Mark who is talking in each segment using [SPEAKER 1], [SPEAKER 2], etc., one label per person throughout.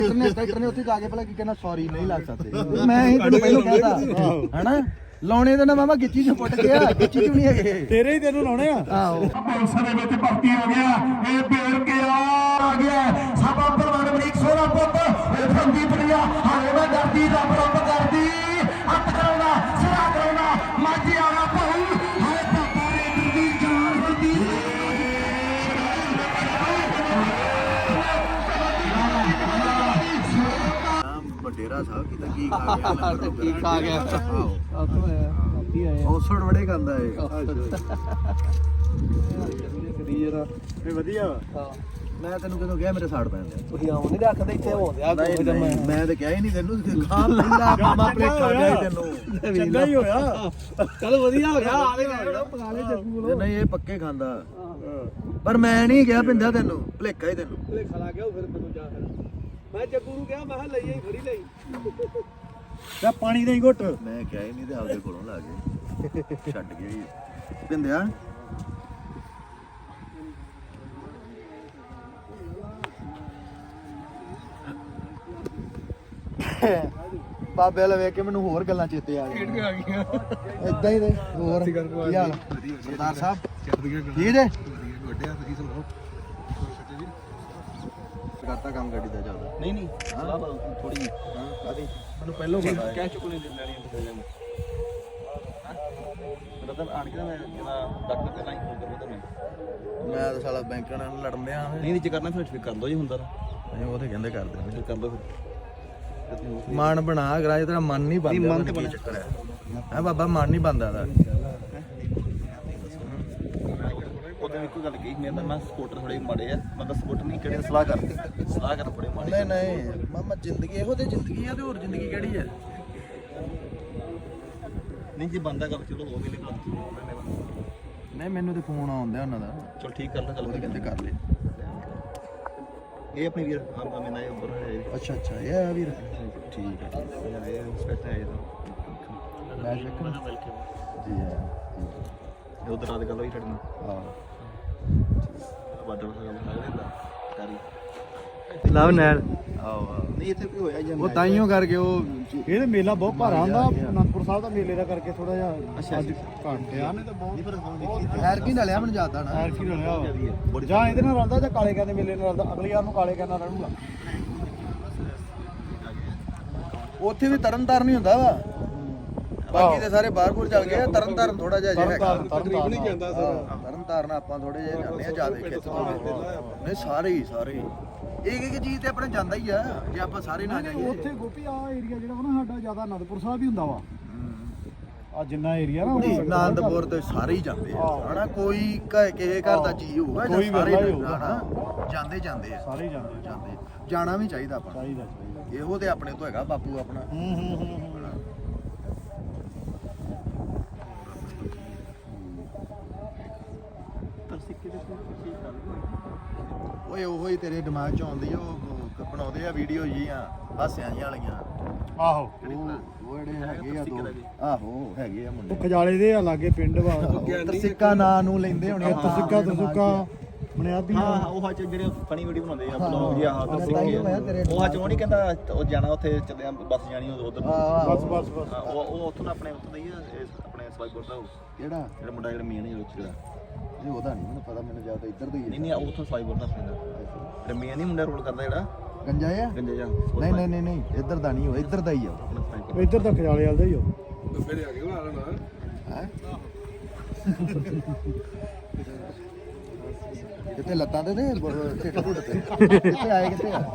[SPEAKER 1] tractor ਨੇ ਉੱਥੇ ਜਾ ਕੇ ਭਲਾ ਕੀ ਕਹਿਣਾ ਸੌਰੀ ਨਹੀਂ ਲੱਗ ਸਕਦੇ ਮੈਂ ਹੀ ਤੈਨੂੰ ਪਹਿਲਾਂ ਕਹਿਤਾ ਹਨਾ ਲਾਉਣੇ ਤੇ ਨਾ ਮਾਮਾ ਗਿੱਚੀ ਚ ਪੁੱਟ ਗਿਆ ਗਿੱਚੀ ਚ ਨਹੀਂ ਹੈਗੇ
[SPEAKER 2] ਤੇਰੇ ਹੀ ਤੈਨੂੰ ਲਾਉਣੇ ਆ
[SPEAKER 1] ਆਹੋ
[SPEAKER 3] ਪੁਲਿਸ ਦੇ ਵਿੱਚ ਭਰਤੀ ਹੋ ਗਿਆ ਇਹ ਬੇਰ ਕੇ ਆ ਗਿਆ ਸਾਬਾ ਪਰਵਾਨ ਅਮਰੀਕ ਸੋਹਰਾ ਪੁੱਤ ਇਹ ਫੰਦੀ ਪੜਿਆ ਹਾਲੇ ਮੈਂ ਡਰਦੀ ਰੱਬ ਰੱਬ ਕਰਦੀ ਹੱਥ ਕਰਾਉਣਾ ਸਿਰਾ ਕਰਾਉਣਾ ਮਾਝੀ ਆਣਾ ਭਾਈ ਹਾਏ ਪਾਪਾ ਰੇ ਦਿੰਦੀ ਜਾਨ ਹੁੰਦੀ
[SPEAKER 1] ਵੱਡੇਰਾ ਸਾਹਿਬ ਕੀ ਤਾਂ ਕੀ ਖਾ ਗਿਆ
[SPEAKER 2] ਕੀ ਖਾ ਗਿਆ
[SPEAKER 1] ਔਸੜ ਬੜੇ ਖਾਂਦਾ ਏ
[SPEAKER 2] ਇਹ ਵਧੀਆ
[SPEAKER 1] ਮੈਂ ਤੈਨੂੰ ਕਦੋਂ ਕਿਹਾ ਮੇਰੇ ਸਾੜ ਪੈਂਦੇ
[SPEAKER 2] ਤੁਸੀਂ ਆਉਂ ਨਹੀਂ ਰੱਖਦੇ ਇੱਥੇ ਹੋਉਂਦੇ ਆ
[SPEAKER 1] ਮੈਂ ਤਾਂ ਕਿਹਾ ਹੀ ਨਹੀਂ ਤੈਨੂੰ ਖਾ ਲੈਂਦਾ ਮਾਮਾ ਪਲੇਟਾ ਗਿਆ ਤੈਨੂੰ
[SPEAKER 2] ਚੰਗਾ ਹੀ ਹੋਇਆ ਚਲ ਵਧੀਆ ਹੋ ਗਿਆ ਆਲੇ ਪਕਾ ਲੈ ਜੱਗੂ ਕੋਲ
[SPEAKER 1] ਨਹੀਂ ਇਹ ਪੱਕੇ ਖਾਂਦਾ ਪਰ ਮੈਂ ਨਹੀਂ ਕਿਹਾ ਪਿੰਦਾ ਤੈਨੂੰ ਭਲੇਖਾ ਹੀ ਤੈਨੂੰ
[SPEAKER 2] ਭਲੇਖਾ ਲਾ ਗਿਆ ਫਿਰ ਮੈਨੂੰ ਜਾ ਮੈਂ ਜੱਗੂ ਨੂੰ ਕਿਹਾ ਮੈਂ ਕਿਹਾ ਲਈ ਫੜੀ ਲਈ ਤੇ ਪਾਣੀ ਦੇ ਘੁੱਟ
[SPEAKER 1] ਮੈਂ ਕਿਹਾ ਹੀ ਨਹੀਂ ਤੇ ਆਪਦੇ ਕੋਲੋਂ ਲਾ ਕੇ ਛੱਡ ਗਿਆ ਹੀ ਪਿੰਦਿਆ ਬਾਬੇ ਵਾਲਾ ਵੇਖ ਕੇ ਮੈਨੂੰ ਹੋਰ ਗੱਲਾਂ ਚੇਤੇ ਆ ਗਈਆਂ ਇਦਾਂ ਹੀ ਦੇ ਹੋਰ ਕੀ ਹਾਲ ਸਰਦਾਰ ਸਾਹਿਬ ਠੀਕ ਜੇ ਵੱਡਿਆ ਤੁਸੀਂ ਸੁਣਾਓ ਕਰਤਾ ਕੰਮ ਗੱਡੀ ਦਾ ਚੱਲਦਾ
[SPEAKER 2] ਨਹੀਂ ਨਹੀਂ ਥੋੜੀ
[SPEAKER 1] ਹਾਂ ਕਾਦੀ ਮੈਨੂੰ ਪਹਿਲੋਂ ਪਤਾ ਹੈ
[SPEAKER 2] ਕਹਿ ਚੁੱਕ ਨਹੀਂ ਲੈਣੀ ਇੰਤਜ਼ਾਮ ਰਤਨ ਆਣ ਕੇ ਮੈਂ ਜਿਹੜਾ ਡਾਕਟਰ ਪਹਿਲਾਂ ਹੀ ਫੋਨ ਕਰੂੰ ਤੁਹਾਨੂੰ
[SPEAKER 1] ਮੈਂ ਤਾਂ ਸਾਲਾ ਬੈਂਕਾਂ ਨਾਲ ਲੜਨ ਦਿਆਂ
[SPEAKER 2] ਨਹੀਂ ਜੇ ਕਰਨਾ ਫਿਰ ਕਰ ਦੋ ਜੀ ਹੁੰਦਾ
[SPEAKER 1] ਨਹੀਂ ਉਹ ਤੇ ਕਹਿੰਦੇ ਕਰਦੇ
[SPEAKER 2] ਫਿਰ ਕਰ ਦੋ ਫਿਰ
[SPEAKER 1] ਮਨ ਬਣਾ ਕਰਾ ਜੇ ਤੇਰਾ ਮਨ ਨਹੀਂ ਬਣਦਾ
[SPEAKER 2] ਮਨ ਤੇ
[SPEAKER 1] ਕੀ ਚੱਕਰ ਹੈ ਬਾਬਾ ਮਨ ਨਹੀਂ ਬਣਦਾ ਦਾ
[SPEAKER 2] ਉਹਦੇ ਇੱਕੋ ਗੱਲ ਕਹੀ ਮੈਂ ਸਪੋਰਟਰ ਥੋੜੇ ਮਾੜੇ ਆ ਮਤਲਬ ਸਪੋਰਟਰ ਨਹੀਂ ਕਿਹੜੇ ਸਲਾਹ ਕਰ ਬੜੇ ਮਾੜੇ
[SPEAKER 1] ਨਹੀਂ ਨਹੀਂ ਮਾਮਾ ਜ਼ਿੰਦਗੀ ਇਹੋ ਤੇ ਜ਼ਿੰਦਗੀ ਆ ਤੇ ਹੋਰ ਜ਼ਿੰਦਗੀ ਕਿਹੜੀ ਹੈ
[SPEAKER 2] ਨਹੀਂ ਜੇ ਬੰਦਾ ਗੱਲ ਚਲੋ ਹੋ ਗਈ ਨਹੀਂ
[SPEAKER 1] ਨਹੀਂ ਮੈਨੂੰ ਤੇ ਫੋਨ ਆਉਂਦਾ ਉਹਨਾਂ ਦਾ
[SPEAKER 2] ਚਲ ਠੀਕ ਕਰ ਲੈ
[SPEAKER 1] ਉਹ ਤੇ ਕਹਿੰਦੇ ਕਰ ਲੈ
[SPEAKER 2] ਇਹ ਆਪਣੀ ਵੀਰ ਆਮ ਦਾ ਮੈਨਾਂ ਉੱਪਰ ਹੈ
[SPEAKER 1] ਅੱਛਾ ਅੱਛਾ ਇਹ ਆ ਵੀਰ ਠੀਕ ਹੈ
[SPEAKER 2] ਇਹ ਸਪੈਸ਼ਲ ਹੈ ਇਹ
[SPEAKER 1] ਮੈਂ ਸ਼ੱਕ ਜੀ ਹੈ
[SPEAKER 2] ਉਧਰ ਰਾਤ ਗੱਲ ਹੋਈ ਸਾਡੇ ਨਾਲ
[SPEAKER 1] ਹਾਂ
[SPEAKER 2] ਬਾਦਰ ਨਾਲ ਗੱਲ ਲੱਗਦਾ ਕਰੀ
[SPEAKER 1] ਲਵ ਨੈਲ ਆਓ
[SPEAKER 2] ਨਹੀਂ ਇੱਥੇ ਕੋਈ ਹੋਇਆ ਜਾਂ
[SPEAKER 1] ਉਹ ਤਾਈਓ ਕਰਕੇ ਉਹ
[SPEAKER 2] ਇਹ ਤੇ ਮੇਲਾ ਬਹੁਤ ਭਾਰਾ ਹੁੰਦਾ ਅਨੰਦਪੁਰ ਸਾਹਿਬ ਦਾ ਮੇਲੇ ਦਾ ਕਰਕੇ ਥੋੜਾ ਜਿਹਾ ਅੱਜ ਘੱਟ ਆ ਨੇ ਤਾਂ ਬਹੁਤ
[SPEAKER 1] ਹੈਰ ਕੀ ਡਲਿਆ ਮੈਨੂੰ ਜਾਂਦਾ ਨਾ
[SPEAKER 2] ਐਰ ਕੀ ਰਲਿਆ ਜਾਂ ਇਹਦੇ ਨਾਲ ਰਲਦਾ ਜਾਂ ਕਾਲੇ ਕਹਿੰਦੇ ਮੇਲੇ ਨਾਲ ਰਲਦਾ ਅਗਲੀ ਵਾਰ ਨੂੰ ਕਾਲੇ ਕਹਿੰਦਾ ਰਹੂਗਾ
[SPEAKER 1] ਉੱਥੇ ਵੀ ਤਰਨ ਤਾਰਨ ਹੀ ਹੁੰਦਾ ਵਾ ਬਾਕੀ ਤੇ ਸਾਰੇ ਬਾਹਰਪੁਰ ਚੱਲ ਗਏ ਤਰਨ ਤਾਰਨ ਥੋੜਾ ਜਿਹਾ ਹੈਗਾ
[SPEAKER 2] ਤਕਰੀਬ ਨਹੀਂ ਜਾਂਦਾ
[SPEAKER 1] ਤਰਨ ਤਾਰਨ ਆਪਾਂ ਥੋੜੇ ਜਿਹਾ ਜਾਂਦੇ ਆ ਜਿਆਦਾ ਖਿੱਚ ਨਹੀਂ ਸਾਰੇ ਹੀ ਇੱਕ ਚੀਜ਼ ਤੇ ਆਪਣੇ ਜਾਂਦਾ ਹੀ ਆ ਜੇ ਆਪਾਂ ਸਾਰੇ ਨਾ ਜਾਈਏ
[SPEAKER 2] ਉੱਥੇ ਗੋਪੀ ਆ ਏਰੀਆ ਜਿਹੜਾ ਵਾ ਨਾ ਸਾਡਾ ਜ਼ਿਆਦਾ ਅਨੰਦਪੁਰ ਸਾਹਿਬ ਹੀ ਹੁੰਦਾ ਵਾ ਆ ਜਿੰਨਾ ਏਰੀਆ ਨਾ
[SPEAKER 1] ਆਨੰਦਪੁਰ ਤੇ ਸਾਰੇ ਹੀ ਜਾਂਦੇ ਆ ਹਨਾ ਕੋਈ ਕਿਸੇ ਘਰ ਦਾ ਜੀ ਹੋਊਗਾ ਜਾਂ ਸਾਰੇ ਹਨਾ ਜਾਂਦੇ ਆ
[SPEAKER 2] ਸਾਰੇ ਹੀ ਜਾਂਦੇ
[SPEAKER 1] ਜਾਣਾ ਵੀ ਚਾਹੀਦਾ ਆਪਾਂ
[SPEAKER 2] ਚਾਹੀਦਾ
[SPEAKER 1] ਇਹੋ ਤੇ ਆਪਣੇ ਤੋਂ ਹੈਗਾ ਬਾਪੂ ਆਪਣਾ ਓਏ ਉਹੋ ਹੀ ਤੇਰੇ ਦਿਮਾਗ 'ਚ ਆਉਂਦੀ ਆ ਉਹ ਬਣਾਉਂਦੇ ਆ ਵੀਡੀਓ ਜੀਆਂ ਹਾਸਿਆਂ ਜੀਆਂ ਵਾਲੀਆਂ
[SPEAKER 2] ਆਹੋ
[SPEAKER 1] ਉਹ ਜਿਹੜੇ ਹੈਗੇ ਆ ਦੋ ਆਹੋ ਹੈਗੇ ਆ ਮੁੰਡੇ
[SPEAKER 2] ਖਜਾਲੇ ਦੇ ਆ ਲਾਗੇ ਪਿੰਡ ਵਾ
[SPEAKER 1] ਤਰਸਿੱਕਾ ਨਾਂ ਨੂੰ ਲੈਂਦੇ ਹੋਣੇ
[SPEAKER 2] ਤਸੁੱਕਾ ਬੁਨਿਆਦੀ
[SPEAKER 4] ਹਾਂ ਉਹ ਹੱਚ ਜਿਹੜੇ ਫਨੀ ਵੀਡੀਓ ਬਣਾਉਂਦੇ ਆ ਬਲੌਗ ਜੀ ਆਹ ਉਹ ਹੱਚ ਉਹ ਨਹੀਂ ਕਹਿੰਦਾ ਉਹ ਜਾਣਾ ਉੱਥੇ ਚੱਲਿਆ ਬੱਸ ਜਾਣੀ ਉਧਰ
[SPEAKER 2] ਬਸ
[SPEAKER 4] ਉਹ ਉੱਥੋਂ ਦਾ ਆਪਣੇ ਉੱਥੋਂ ਦਾ ਹੀ ਆ ਆਪਣੇ ਸਵਾਈਪੁਰ ਦਾ
[SPEAKER 1] ਕਿਹੜਾ
[SPEAKER 4] ਜਿਹੜਾ ਮੁੰਡਾ ਜਿਹੜਾ ਮੇਨ ਹੀ ਜਿਹੜਾ
[SPEAKER 1] ਇਹ ਉਹਦਾ ਨਹੀਂ ਮੈਨੂੰ ਪਤਾ ਮੈਨੂੰ ਜ਼ਿਆਦਾ ਇੱਧਰ ਦਾ ਹੀ
[SPEAKER 4] ਨਹੀਂ ਉੱਥੋਂ ਸਵਾਈਪੁਰ ਦਾ ਆਪਣੇ ਦਾ ਜਿਹੜਾ ਮੇਨ ਹੀ ਮੁੰਡਾ ਰੋਲ ਕਰਦਾ ਜਿਹੜਾ
[SPEAKER 1] ਗੰਜਾ ਆ
[SPEAKER 4] ਗੰਜੇ ਜਾ
[SPEAKER 1] ਨਹੀਂ ਇੱਧਰ ਦਾ ਨਹੀਂ ਉਹ ਇੱਧਰ ਦਾ ਹੀ ਆ
[SPEAKER 2] ਇੱਧਰ ਤਾਂ ਖਜਾਲੇ ਵਾਲਦਾ ਹੀ ਹੋ
[SPEAKER 1] ਹੈ ਕਿਤੇ ਲੱਤਾਂ ਤੇ ਢਿੱਡ ਢੁੱਡ ਤੇ ਕਿੱਥੇ ਆਏ ਕਿੱਥੇ ਆ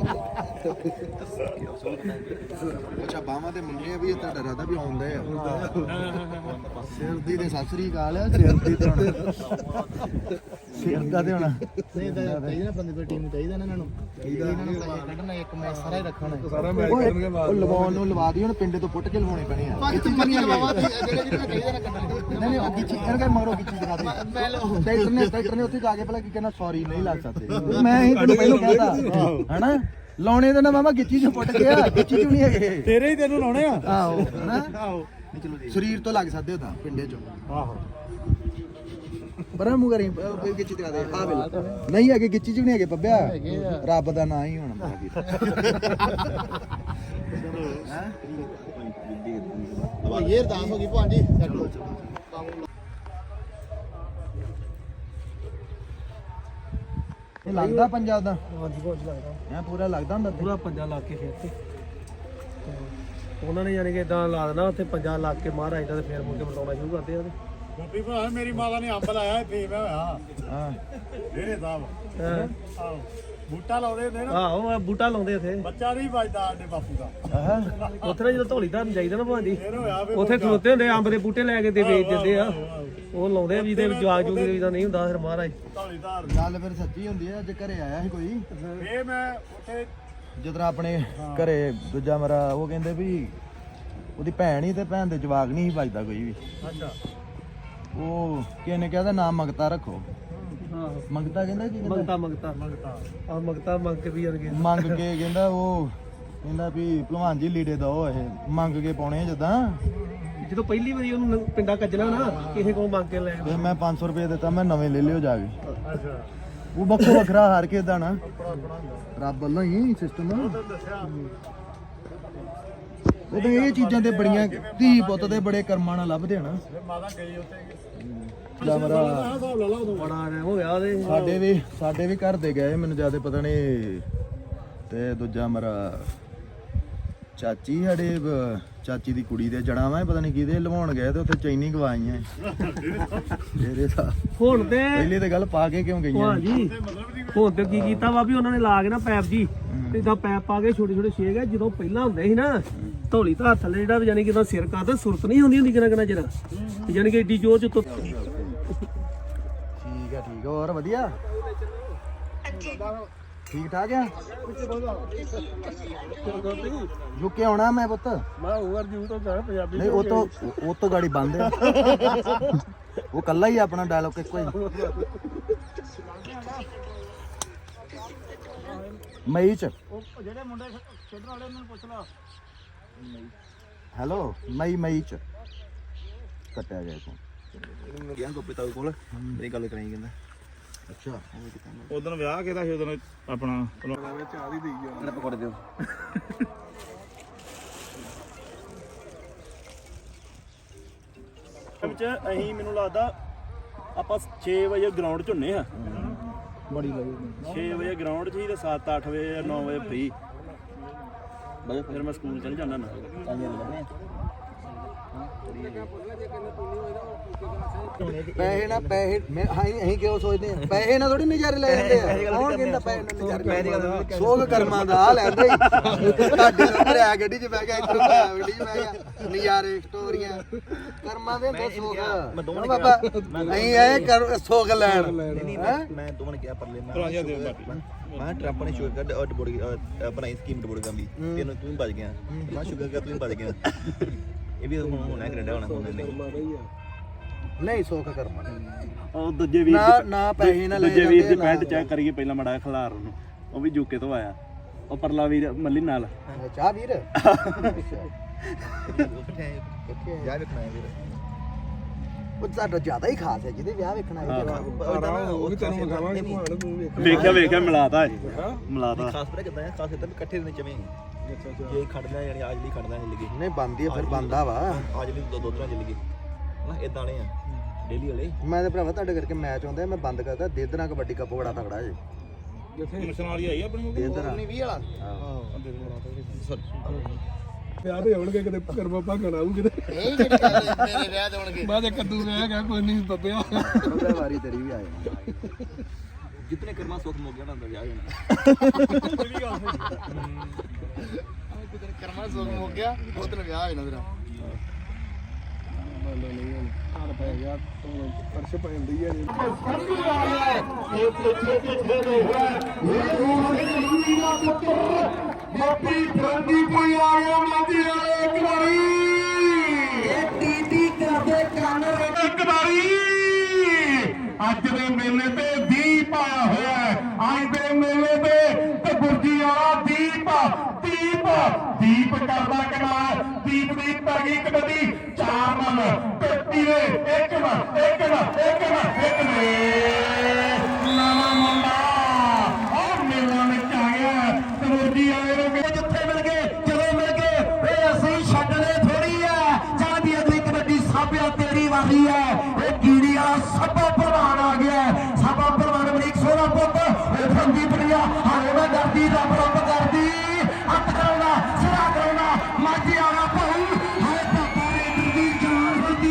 [SPEAKER 1] ਅੱਛਾ ਬਾਹਾਂ ਤੇ ਮੁੰਡੇ ਵੀ ਤੁਹਾਡਾ ਰਾਦਾ ਵੀ ਆਉਂਦੇ ਆ ਸਿਰ ਦੀ ਤੇ ਸਾਸਰੀ ਕਾਲ ਆ ਸਿਰ ਦੀ ਤੇ ਹੁਣ ਸਿਰ ਦਾ ਤੇ ਹੁਣ
[SPEAKER 2] ਨਹੀਂ ਤਾਂ ਚਾਹੀਦਾ ਬੰਦੇ ਦੀ ਟੀਮ ਚਾਹੀਦਾ ਨਾ ਇਹਨਾਂ ਨੂੰ ਇਹਨਾਂ ਨੂੰ ਕੱਢਣਾ ਇੱਕ ਮੈਚ ਸਾਰਾ ਹੀ ਰੱਖਣਾ
[SPEAKER 1] ਸਾਰਾ ਮੈਚ ਕਰਨਗੇ ਬਾਅਦ ਉਹ ਲਵਾਉਣ ਨੂੰ ਲਵਾ ਦੀ ਹੁਣ ਪਿੰਡੇ ਤੋਂ ਪੁੱਟ ਕੇ ਲਵਾਉਣੇ ਪੈਣੇ ਆ
[SPEAKER 2] ਕਿੱਥੇ ਮਰੀਆਂ ਲਵਾਵਾ ਜਿਹੜੇ ਚਾਹੀਦਾ ਨਾ ਕੱਢਣਾ
[SPEAKER 1] ਨਹੀਂ ਉਹ ਗਿੱਚੀ ਇਹਨਾਂ ਦਾ ਮਗਰੋਂ ਗਿੱਚੀ ਦਿਖਾ ਦੇ ਟਰੈਕਟਰ ਨੇ ਉੱਥੇ ਜਾ ਕੇ ਭਲਾ ਕੀ ਕਹਿਣਾ ਸੌਰੀ ਨਹੀਂ ਲੱਗ ਸਕਦੇ ਮੈਂ ਹੀ ਤੈਨੂੰ ਪਹਿਲਾਂ ਕਹਿਤਾ ਹਨਾ ਲਾਉਣੇ ਤੇ ਨਾ ਮਾਮਾ ਗਿੱਚੀ ਚ ਪੁੱਟ ਗਿਆ ਗਿੱਚੀ ਚ ਨਹੀਂ ਹੈਗੇ
[SPEAKER 2] ਤੇਰੇ ਹੀ ਤੈਨੂੰ ਲਾਉਣੇ ਆ
[SPEAKER 1] ਆਹੋ ਹਨਾ
[SPEAKER 2] ਆਹੋ
[SPEAKER 1] ਸਰੀਰ ਤੋਂ ਲੱਗ ਸਕਦੇ ਹੋ ਤਾਂ ਪਿੰਡੇ ਚੋਂ
[SPEAKER 2] ਆਹੋ
[SPEAKER 1] ਪਰ ਮੂੰਹ ਕਰੀ ਗਿੱਚੀ ਦਿਖਾ ਦੇ ਆ ਵੇਲ ਨਹੀਂ ਹੈਗੇ ਗਿੱਚੀ ਚ ਵੀ ਨਹੀਂ ਹੈਗੇ ਪੱਬਿਆ ਰੱਬ ਦਾ ਨਾਂ ਹੀ ਹੋਣਾ
[SPEAKER 2] ਇਹ ਅਰਦਾਸ ਹੋ ਗਈ ਭਾਂਜੀ ਛੱਡੋ
[SPEAKER 1] ਇਹ ਲੱਗਦਾ ਪੰਜਾਬ ਦਾ
[SPEAKER 5] ਹਾਂਜੀ ਬਹੁਤ ਲੱਗਦਾ
[SPEAKER 1] ਐ ਪੂਰਾ ਲੱਗਦਾ ਹੁੰਦਾ
[SPEAKER 5] ਪੂਰਾ ਪੰਜਾ ਲਾ ਕੇ ਫਿਰ ਤੇ ਉਹਨਾਂ ਨੇ ਯਾਨੀ ਕਿ ਇਦਾਂ ਲਾ ਦੇਣਾ ਉੱਥੇ ਪੰਜਾ ਲਾ ਕੇ ਮਹਾਰਾਜ ਦਾ ਤੇ ਫਿਰ ਮੁੜ ਕੇ ਬਤਾਉਣਾ ਸ਼ੁਰੂ ਕਰਦੇ ਆ ਉਹਦੇ
[SPEAKER 6] ਗੋਪੀ ਭਰਾ ਮੇਰੀ ਮਾਤਾ ਨੇ ਅੰਬ ਲਾਇਆ ਇੱਥੇ ਮੈਂ ਹੋਇਆ
[SPEAKER 1] ਹਾਂ
[SPEAKER 6] ਡੇਰੇ ਸਾਹਿਬ
[SPEAKER 5] ਹਾਂ
[SPEAKER 6] ਆਹੋ ਬੂਟਾ ਲਾਉਂਦੇ ਹੁੰਦੇ ਨਾ
[SPEAKER 5] ਆਹੋ ਉਹ ਬੂਟਾ ਲਾਉਂਦੇ ਉੱਥੇ
[SPEAKER 6] ਬੱਚਾ ਨਹੀਂ ਵੱਜਦਾ ਸਾਡੇ ਬਾਪੂ ਦਾ
[SPEAKER 1] ਆਹ
[SPEAKER 5] ਉੱਥੇ ਨਾ ਜਦੋਂ ਧੌਲੀ ਧਾਰਨ ਜਾਈਦਾ ਨਾ ਭਾਂਜੀ
[SPEAKER 6] ਫਿਰ ਹੋਇਆ ਵੀ
[SPEAKER 5] ਉੱਥੇ ਖਲੋਤੇ ਹੁੰਦੇ ਅੰਬ ਦੇ ਬੂਟੇ ਲੈ ਕੇ ਤੇ ਵੇਚ ਦਿੰਦੇ ਆ ਉਹ ਲਾਉਂਦੇ ਆ ਵੀ ਇਹਦੇ ਜਵਾਗ ਜੂਗ ਦੇ ਦਾ ਨਹੀਂ ਹੁੰਦਾ ਫਿਰ ਮਹਾਰਾਜ
[SPEAKER 6] ਢੋਲੀ ਧਾਰ
[SPEAKER 1] ਗੱਲ ਫਿਰ ਸੱਚੀ ਹੁੰਦੀ ਹੈ ਅੱਜ ਘਰੇ ਆਇਆ ਸੀ ਕੋਈ
[SPEAKER 6] ਫੇ ਮੈਂ ਉੱਥੇ
[SPEAKER 1] ਜਦੋਂ ਆਪਣੇ ਘਰੇ ਦੂਜਾ ਮੇਰਾ ਉਹ ਕਹਿੰਦੇ ਵੀ ਉਹਦੀ ਭੈਣ ਹੀ ਤੇ ਭੈਣ ਦੇ ਜਵਾਕ ਨਹੀਂ ਸੀ ਵੱਜਦਾ ਕੋਈ ਵੀ
[SPEAKER 6] ਅੱਛਾ
[SPEAKER 1] ਉਹ ਕਿਸੇ ਨੇ ਕਿਹਾ ਦਾ ਨਾਮ ਮੰਗਤਾ ਰੱਖੋ
[SPEAKER 5] ਆਹੋ
[SPEAKER 1] ਮੰਗਤਾ ਕਹਿੰਦਾ ਕੀ ਕਹਿੰਦਾ
[SPEAKER 5] ਮੰਗਤਾ ਆ ਮੰਗਤਾ ਮੰਗ ਕੇ ਵੀ ਜਾਣਗੇ
[SPEAKER 1] ਮੰਗ ਕੇ ਕਹਿੰਦਾ ਉਹ ਕਹਿੰਦਾ ਵੀ ਭਲਵਾਨ ਜੀ ਲੀੜੇ ਦੋ ਇਹ ਮੰਗ ਕੇ ਪਾਉਣੇ ਆ ਜਦਾਂ
[SPEAKER 5] ਜਦੋਂ ਪਹਿਲੀ ਵਾਰੀ ਉਹਨੂੰ ਪਿੰਡਾ ਕੱਜਣਾ ਨਾ ਕਿਸੇ ਕੋਲ ਮੰਗ ਕੇ ਲੈ
[SPEAKER 1] ਤੇ ਮੈਂ 500 ਰੁਪਏ ਦਿੱਤਾ ਮੈਂ ਨਵੇਂ ਲੈ ਲਿਓ ਜਾ ਕੇ
[SPEAKER 6] ਅੱਛਾ
[SPEAKER 1] ਉਹ ਵੱਖੋ ਵੱਖਰਾ ਹਾਰ ਕੇ ਦਾ ਨਾ ਰੱਬ ਵੱਲੋਂ ਹੀ ਸਿਸਟਮ
[SPEAKER 6] ਦੱਸਿਆ
[SPEAKER 1] ਉਦੋਂ ਇਹ ਚੀਜ਼ਾਂ ਤੇ ਬੜੀਆਂ ਧੀ ਪੁੱਤ ਦੇ ਬੜੇ ਕਰਮਾਂ ਨਾਲ ਲੱਭਦੇ ਹਨ
[SPEAKER 6] ਫਿਰ ਮਾਤਾ ਗਈ ਉੱਥੇ
[SPEAKER 1] ਜਾਂ ਮੇਰਾ
[SPEAKER 6] ਹਿਸਾਬ ਲਾ ਲਾ ਉਦੋਂ
[SPEAKER 5] ਬੜਾ ਟਾਈਮ ਹੋ ਗਿਆ ਉਹਦੇ
[SPEAKER 1] ਸਾਡੇ ਵੀ ਘਰ ਦੇ ਗਏ ਮੈਨੂੰ ਜਿਆਦਾ ਪਤਾ ਨਹੀਂ ਤੇ ਦੂਜਾ ਮੇਰਾ ਚਾਚੀ ਸਾਡੇ ਚਾਚੀ ਦੀ ਕੁੜੀ ਦੇ ਜੜਾਂ ਵਾ ਪਤਾ ਨਹੀਂ ਕਿਹਦੇ ਲਵਾਉਣ ਗਏ ਤੇ ਉੱਥੇ ਚੈਨੀ ਗਵਾਈਆਂ ਇਹਦੇ ਦਾ
[SPEAKER 5] ਹੁਣ ਤੇ
[SPEAKER 1] ਪਹਿਲੀ ਤੇ ਗੱਲ ਪਾ ਕੇ ਕਿਉਂ ਗਈਆਂ
[SPEAKER 5] ਭਾਜੀ ਹੁਣ ਤੇ ਕੀ ਕੀਤਾ ਵਾ ਵੀ ਉਹਨਾਂ ਨੇ ਲਾ ਕੇ ਨਾ ਪੈਪ ਜੀ ਤੇ ਇਦਾਂ ਪੈਪ ਪਾ ਕੇ ਛੋਟੇ ਛੋਟੇ ਛੇਕ ਆ ਜਦੋਂ ਪਹਿਲਾਂ ਹੁੰਦੇ ਸੀ ਨਾ ਢੋਲੀ ਧਾਰ ਥੱਲੇ ਜਿਹੜਾ ਯਾਨੀ ਕਿ ਇਹਦਾ ਸਿਰ ਕਰਦਾ ਸੁਰਤ ਨਹੀਂ ਹੁੰਦੀ ਕਿੰਨਾ ਕਿੰਨਾ ਜਰਾ ਯਾਨੀ ਕਿ ਏਡੀ ਜ਼ੋਰ ਚ ਉੱਤੋਂ
[SPEAKER 1] ਠੀਕ ਆ ਹੋਰ ਵਧੀਆ ਠੀਕ ਠਾਕ ਆ ਰੁਕੇ ਆਉਣਾ ਮੈਂ ਪੁੱਤ
[SPEAKER 5] ਮੈਂ ਓਵਰਵਿਊ ਤੋਂ ਕਹਾਂ ਪੰਜਾਬੀ
[SPEAKER 1] ਨਹੀਂ ਉਹ ਤੋਂ ਗਾੜੀ ਬੰਦ ਆ ਉਹ ਕੱਲਾ ਹੀ ਆਪਣਾ ਡਾਇਲੌਗ ਇੱਕੋ ਹੀ ਮਈ ਚ
[SPEAKER 6] ਜਿਹੜੇ ਮੁੰਡੇ ਖੇਡਣ ਵਾਲੇ ਉਹਨਾਂ ਨੂੰ ਪੁੱਛ ਲਾ
[SPEAKER 1] ਹੈਲੋ ਮਈ ਚ ਕੱਟਿਆ ਗਿਆ ਫੋਨ
[SPEAKER 4] ਗਿਆ ਗੋਪੀ ਤਾਊ ਕੋਲ ਮੇਰੀ ਗੱਲ ਕਰਾਈ ਕਹਿੰਦਾ
[SPEAKER 1] ਅੱਛਾ
[SPEAKER 6] ਉਦੋਂ ਵਿਆਹ ਕਿਹਦਾ ਸੀ ਉਦੋਂ ਆਪਣਾ
[SPEAKER 4] ਇਹਨਾਂ ਪਕੌੜੇ ਦਿਓ
[SPEAKER 7] ਵਿੱਚ ਅਸੀਂ ਮੈਨੂੰ ਲੱਗਦਾ ਆਪਾਂ 6 ਵਜੇ ਗਰਾਊਂਡ 'ਚ ਹੁੰਨੇ ਆ
[SPEAKER 1] ਬੜੀ ਲੱਗੀ
[SPEAKER 7] 6 ਵਜੇ ਗਰਾਊਂਡ 'ਚ ਹੀ ਤੇ 7-8 ਵਜੇ 9 ਵਜੇ ਫ੍ਰੀ ਫਿਰ ਮੈਂ ਸਕੂਲ ਚਲ ਜਾਂਦਾ ਨਾ
[SPEAKER 1] ਪੈਸੇ ਨਾ ਪੈਸੇ ਮੈਂ ਅਸੀਂ ਕਿਉਂ ਸੋਚਦੇ ਆ ਪੈਸੇ ਨਾ ਥੋੜੀ ਨਜ਼ਾਰੇ ਲੈ ਜਾਂਦੇ ਆ ਕੌਣ ਕਹਿੰਦਾ ਪੈਸੇ ਨਾਲ ਨਜ਼ਾਰੇ ਲੈ ਸੋਗ ਕਰਮਾਂ ਦਾ ਆ ਲੈਂਦੇ ਤੁਹਾਡੇ ਉੱਪਰ ਆ ਗੱਡੀ 'ਚ ਬਹਿ ਗਿਆ ਇੱਧਰ ਆ ਗੱਡੀ 'ਚ ਬਹਿ ਗਿਆ ਨਜ਼ਾਰੇ ਸਟੋਰੀਆਂ ਕਰਮਾਂ ਦੇ ਹੁੰਦੇ ਸੋਗ
[SPEAKER 4] ਮੈਂ ਦੋਵਾਂ
[SPEAKER 1] ਬਾਬਾ ਅਸੀਂ ਆਏ ਕਰ ਸੋਗ ਲੈਣ
[SPEAKER 4] ਮੈਂ ਦੋਵਾਂ ਨੇ ਕਿਹਾ ਪਰਲੇ ਮੈਂ ਟਰੰਪ ਨੇ ਸ਼ੁਗਰ ਕੱਢ ਬੋੜੀ ਬਣਾਈ ਸਕੀਮ ਬੋੜੀ ਗੰਦੀ ਤੈਨੂੰ ਤੂੰ ਬਚ ਗਿਆ ਮੈਂ ਸ਼ੁਗਰ ਕਰ ਤੂੰ ਬਚ ਗਿਆ ਇਹ ਵੀ ਹੁਣ ਹੋਣਾ ਕੈਨੇਡਾ ਹੋਣਾ ਹੁਣ ਨਹੀਂ
[SPEAKER 1] ਨਹੀਂ ਸੋਗ ਕਰਮਾਂ
[SPEAKER 7] ਉਹ ਦੂਜੇ ਵੀਰ
[SPEAKER 1] ਨਾ ਪੈਸੇ ਨਾ ਲੈ
[SPEAKER 7] ਦੂਜੇ ਵੀਰ ਦੀ
[SPEAKER 1] ਜਾਂਦੇ,
[SPEAKER 7] ਪੈਂਟ ਚੈੱਕ ਕਰੀਏ ਪਹਿਲਾਂ ਮੜਾ ਖਿਲਾਰ ਉਹਨੂੰ ਉਹ ਵੀ ਯੂਕੇ ਤੋਂ ਆਇਆ ਉਹ ਪਰਲਾ ਵੀਰ ਮੱਲੀ ਨਾਲ
[SPEAKER 1] ਚਾਹ ਵੀਰ
[SPEAKER 4] ਯਾਰ ਵੇਖਣਾ ਹੈ ਵੀਰ
[SPEAKER 1] ਉਹ ਤੁਹਾਡਾ ਜ਼ਿਆਦਾ ਹੀ ਖਾਸ ਹੈ ਜਿਹਦੇ ਵਿਆਹ ਵੇਖਣਾ ਹੈ
[SPEAKER 4] ਉਹ ਵੀ ਤੈਨੂੰ ਵਿਖਾਵਾਂਗੇ
[SPEAKER 7] ਵੇਖਿਆ ਮਿਲਾਤਾ ਮਿਲਾਤਾ
[SPEAKER 4] ਖਾਸ ਪਰ ਕਿਦਾਂ ਖਾਸ ਇਦਾਂ ਇਕੱਠੇ ਦੇ ਚਵੇਂ ਜੇ ਖੜਨਾ ਯਾਨੀ ਅੱਜ ਲਈ ਖੜਨਾ ਨਹੀਂ ਲੱਗੀ
[SPEAKER 1] ਨਹੀਂ ਬੰਦੀ ਫਿਰ ਬੰਦਾ ਵਾ
[SPEAKER 4] ਅੱਜ ਲਈ ਦੋ ਤਰ੍ਹਾਂ ਚੱਲ ਗਈ ਨਾ ਇਦਾਂ ਵਾਲੇ ਆ ਡੇਲੀ ਵਾਲੇ
[SPEAKER 1] ਮੈਂ ਤੇ ਭਰਾਵਾ ਤੁਹਾਡੇ ਕਰਕੇ ਮੈਚ ਆਉਂਦਾ ਮੈਂ ਬੰਦ ਕਰਦਾ ਦੇਦਨਾ ਕਬੱਡੀ ਕੱਪ ਬੜਾ ਤਗੜਾ ਜੇ
[SPEAKER 6] ਮਿਸ਼ਨ ਵਾਲੀ ਆਈ ਆਪਣੀ
[SPEAKER 1] ਦੇਦਨਾ
[SPEAKER 4] 20 ਵਾਲਾ
[SPEAKER 5] ਵਿਆਹ ਤੇ ਆਉਣਗੇ ਕਿਤੇ ਕਰਮਾ ਭਾਗਣ ਆਊ ਕਿਤੇ
[SPEAKER 2] ਇਹ ਜਿਹੜੀ ਗੱਲ ਮੇਰੇ ਵਿਆਹ ਤੇ ਹੋਣਗੇ
[SPEAKER 5] ਮੈਂ ਤੇ ਕੱਦੂ ਰਹਿ ਗਿਆ ਕੋਈ ਨਹੀਂ ਬੱਬਿਆ
[SPEAKER 1] ਉਹਦਾ ਵਾਰੀ ਤੇਰੀ ਵੀ ਆ ਜਾਣੀ
[SPEAKER 4] ਜਿਤਨੇ ਕਰਮਾ ਸੁੱਖ ਮੁੱਕ ਗਿਆ ਨਾ ਅੰਦਰ ਜਾ ਜਾਣਾ
[SPEAKER 2] ਕਰਮਾ ਸੋਗ ਮੁੱਕ ਗਿਆ ਉਹ ਤੇ ਵਿਆਹ ਹੋਣਾ ਤੇਰਾ
[SPEAKER 5] ਪਰਸ਼ ਪੈਂਦੀ ਆ
[SPEAKER 3] ਗੋਪੀ ਫਰੰਗੀ ਕੋਈ ਆ ਗਿਆ ਮਾਦੀ ਵਾਲੇ ਇੱਕ ਵਾਰੀ ਇਹ ਟੀਟੀ ਕਰਦੇ ਕੰਨ ਇੱਕ ਵਾਰੀ ਅੱਜ ਦੇ ਮੇਲੇ ਤੇ ਦੀਪ ਆਇਆ ਹੋਇਆ ਹੈ ਅੱਜ ਦੇ ਮੇਲੇ ਤੇ ਗੁਰਜੀ ਵਾਲਾ ਦੀਪ ਕਰਦਾ ਕਿਨਾਰ ਦੀਪ ਦੀ ਪੈ ਗਈ ਕਬੱਡੀ 4 ਮਨ ਕੱਟੀ ਵੇ ਇੱਕ ਨੇ ਨਵਾਂ ਮੁੰਡਾ ਉਹ ਮੇਲਾ ਵਿੱਚ ਆ ਗਿਆ ਕਬੱਡੀ ਵਾਲੇ ਨੂੰ ਜਿੱਥੇ ਮਿਲ ਗਏ ਜਦੋਂ ਮਿਲ ਗਏ ਇਹ ਅਸੀਂ ਛੱਡਣੇ ਥੋੜੀ ਆ ਜਾਂਦੀ ਅਗਲੀ ਕਬੱਡੀ ਸਾਬਿਆ ਤੇਰੀ ਵਾਰੀ ਹੈ ਇਹ ਕੀੜੀ ਵਾਲਾ ਸਭਾ ਪ੍ਰਵਾਨ ਆ ਗਿਆ ਸਭਾ ਪ੍ਰਵਾਨ ਅਮਰੀਕ ਸੋਹਣਾ ਪੁੱਤ ਇਹ ਫੰਦੀ ਪੜਿਆ ਹਾਲੇ ਮੈਂ ਡਰਦੀ ਰੱਬ ਰੱਬ ਕਰਦੀ ਹੱਥ ਕਰਾਉਣਾ ਸਿਰਾ ਕਰਾਉਣਾ ਮਾਝੀ ਆਣਾ ਭਾਊ ਹਾਏ ਪਾਪਾ ਰੇ ਦੀ ਜਾਨ ਹੁੰਦੀ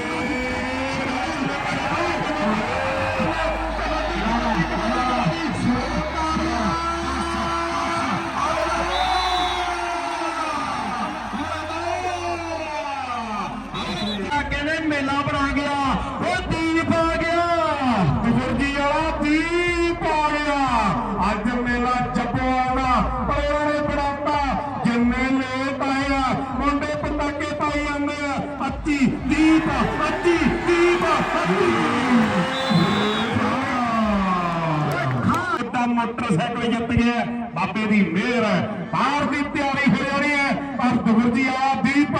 [SPEAKER 3] ਕਹਿੰਦੇ ਮੇਲਾ ਬਣਾ ਗਿਆ ਉਹ ਦੀਪ ਆ ਗਿਆ ਗੁਰਜੀ ਵਾਲਾ ਦੀਪ ਆ ਗਿਆ ਅੱਜ ਮੇਲਾ ਜੱਪੋਆਣਾ ਪਰਿਆਂ ਨੇ ਬਣਾਤਾ ਜਿੰਨੇ ਲੇਟ ਆਏ ਆ ਮੁੰਡੇ ਪਟਾਕੇ ਪਾਈ ਜਾਂਦੇ ਆ 25 ਦੀਪ ਮੋਟਰਸਾਈਕਲ ਜਿੱਤ ਗਿਆ ਬਾਬੇ ਦੀ ਮਿਹਰ ਹੈ ਬਾਹਰ ਦੀ ਤਿਆਰੀ ਹੋ ਜਾਣੀ ਹੈ ਪਰ ਗੁਰਜੀ ਵਾਲਾ ਦੀਪ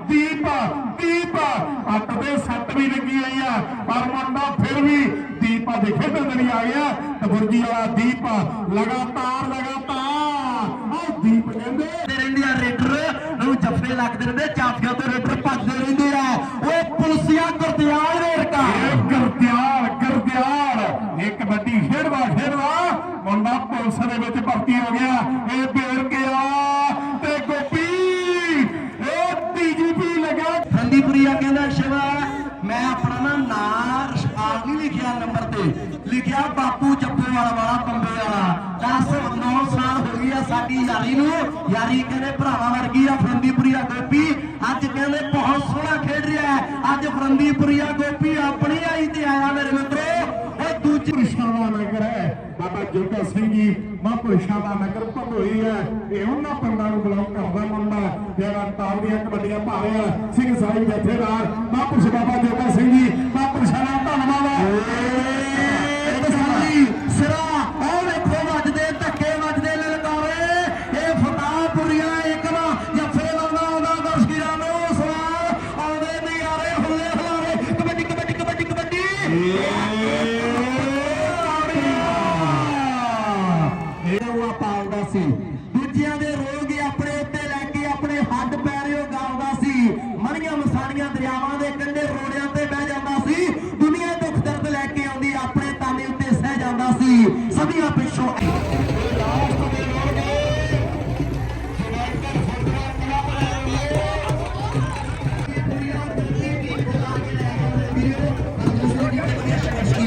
[SPEAKER 3] ਅੱਟ ਦੇ ਸੱਟ ਵੀ ਲੱਗੀ ਹੋਈ ਆ ਪਰ ਮੁੰਡਾ ਫਿਰ ਵੀ ਦੀਪਾ ਦੇ ਖੇਡਣ ਲਈ ਆ ਗਿਆ ਤੇ ਗੁਰਜੀ ਵਾਲਾ ਦੀਪ ਲਗਾਤਾਰ ਉਹ ਦੀਪ ਕਹਿੰਦੇ ਰਹਿੰਦੇ ਆ ਰੇਡਰ ਨੂੰ ਜੱਫੇ ਲੱਗਦੇ ਰਹਿੰਦੇ ਚਾਫੀਆਂ ਤੋਂ ਰੇਡਰ ਭੱਜਦੇ ਰਹਿੰਦੇ ਆ ਉਹ ਪੁਲਸੀਆ ਗੁਰਦਿਆਲ ਰੇੜਕਾ ਗੁਰਦਿਆਲ ਇੱਕ ਕਬੱਡੀ ਖੇਡਵਾ ਮੁੰਡਾ ਪੁਲਿਸ ਦੇ ਵਿੱਚ ਭਰਤੀ ਹੋ ਗਿਆ ਇਹ ਭੇਰ ਕੇ ਆ ਤੇ ਗੋਪੀ ਇਹ TGP ਲਗਾ ਫੰਦੀਪੁਰੀਆ ਕਹਿੰਦਾ ਸ਼ਿਵਾ ਮੈਂ ਆਪਣਾ ਨਾਂ ਰਸ਼ਪਾਲ ਨਹੀਂ ਲਿਖਿਆ ਨੰਬਰ ਤੇ ਲਿਖਿਆ ਬਾਪੂ ਜੱਪੋਵਾਲ ਵਾਲਾ ਬੰਬੇ ਵਾਲਾ 10-9 ਸਾਲ ਹੋ ਗਈ ਆ ਸਾਡੀ ਯਾਰੀ ਨੂੰ ਯਾਰੀ ਕਹਿੰਦੇ ਭਰਾਵਾਂ ਵਰਗੀ ਆ ਫਰੰਦੀਪੁਰੀਆ ਗੋਪੀ ਅੱਜ ਕਹਿੰਦੇ ਬਹੁਤ ਸੋਹਣਾ ਖੇਡ ਰਿਹਾ ਅੱਜ ਫਰੰਦੀਪੁਰੀਆ ਗੋਪੀ ਆਪਣੀ ਆਈ ਤੇ ਆਇਆ ਮੇਰੇ ਮਿੱਤਰੋ ਉਹ ਦੂਜੀ ਪੁਰਸ਼ਾਂ ਨਗਰ ਹੈ ਬਾਬਾ ਜੋਗਾ ਸਿੰਘ ਜੀ ਮਹਾਂਪੁਰਸ਼ਾਂ ਦਾ ਨਗਰ ਭਗੋਈ ਹੈ ਇਹ ਉਹਨਾਂ ਪਿੰਡਾਂ ਨੂੰ ਬਿਲੋਂਗ ਕਰਦਾ ਮੁੰਡਾ ਜਿਹੜਾ ਟਾਪ ਦੀਆਂ ਕਬੱਡੀਆਂ ਪਾ ਰਿਹਾ ਸਿੰਘ ਸਾਹਿਬ ਜਥੇਦਾਰ ਮਹਾਂਪੁਰਸ਼ ਬਾਬਾ ਜੋਗਾ ਸਿੰਘ ਜੀ ਮਹਾਂਪੁਰਸ਼ਾਂ ਦਾ ਧੰਨਵਾਦ ਸਿਰਾ ਉਹ ਵੇਖੋ ਵੱਜਦੇ ਧੱਕੇ ਵੱਜਦੇ ਲਲਕਾਰੇ ਇਹ ਫਤਾਹਪੁਰੀਆ ਇੱਕਵਾ ਜੱਫੇ ਲਾਉਂਦਾ ਆਉਂਦਾ ਦਰਸ਼ਕਾਂ ਨੂੰ ਸਵਾਲ ਆਉਂਦੇ ਨਜ਼ਾਰੇ ਹੁੱਲੇ ਹੁਲਾਰੇ ਕਬੱਡੀ ਇਹ ਉਹ ਪਾਉਂਦਾ ਸੀ ਦੂਜਿਆਂ ਦੇ ਰੋਗ ਆਪਣੇ ਉੱਤੇ ਲੈ ਕੇ ਆਪਣੇ ਹੱਡ ਪੈਰਿਓ ਗਾਉਂਦਾ ਸੀ ਮਣੀਆਂ ਮਸਾਣੀਆਂ ਦਰਿਆਵਾਂ ਦੇ ਕੰਢੇ ਰੋੜਿਆਂ ਤੇ ਬਹਿ ਜਾਂਦਾ ਸੀ ਦੁਨੀਆ ਦੁੱਖ ਦਰਦ ਲੈ ਕੇ ਆਉਂਦੀ ਆਪਣੇ ਤਾਨੇ ਉੱਤੇ ਸਹਿ ਜਾਂਦਾ ਸੀ ਸਦੀਆਂ ਪਿੱਛੋਂ